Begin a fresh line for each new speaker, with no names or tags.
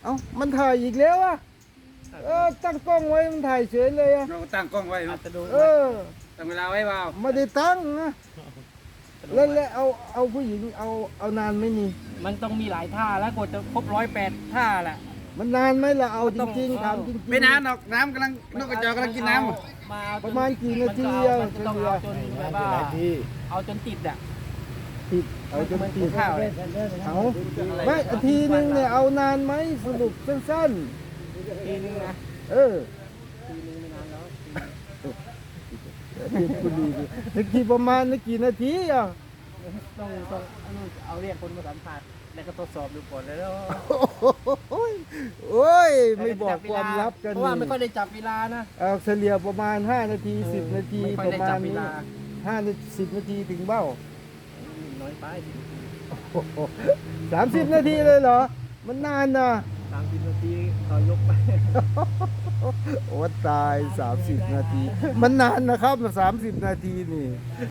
เอ้ามันถ่ายอีกแล้วอ่ะตั้งกล้องไว้มันถ่ายเฉยเลยอ่ะ
เราตั้งกล้องไว้
อาจจะดู
ตั้งเวลาไว้เปล่า
ไม่ได้ตั้งนะแล้วเอาผู้หญิงเอานานไหม่นี่
มันต้องมีหลายท่าแล้วกว่าจะครบ108ท่าแหละ
มันนานไหมล่ะเอาจริงๆถามจริงๆ
ไม่นานหรอกน้ำกำลังนกกระจอกกำลังกินน้ำ
ประมาณกี่นาที
มันจะต้องเอาจนแบบว่าเอาจนติดอ่ะ
ติดเอาจนติด
ข้าวเลย
เอาไม่อาทีนึงเนี่ยเอานานไหมสรุปสั้น
ทีนึงนะ
ๆ
ทีนึงไม่นานแล้ว
คุณดีดินึกกี่ประมาณนึกกี่นาทีอ่ะ
ต้องเอาเรียกคนมาสัมผัสแล้วก็ทดสอบดูก่อนแล้ว
โอ้ยไม่บอกความลับกัน
เพราะว่าไม่ค่อยได้จับเวลานะ
เอาเฉลี่ยประมาณ5 นาที10 นาที
ไม่ค่อย
ประ
ได้
มา
จั
ณ
บเว
นี้
ลา
10 นาทีถึงเบ้า
น้อยไป
30 นาทีเลยเหรอ มันนานนะ
30 นาทีเขายกไป
โอ้ตาย30 นาที มันนานนะครับ30 นาทีนี่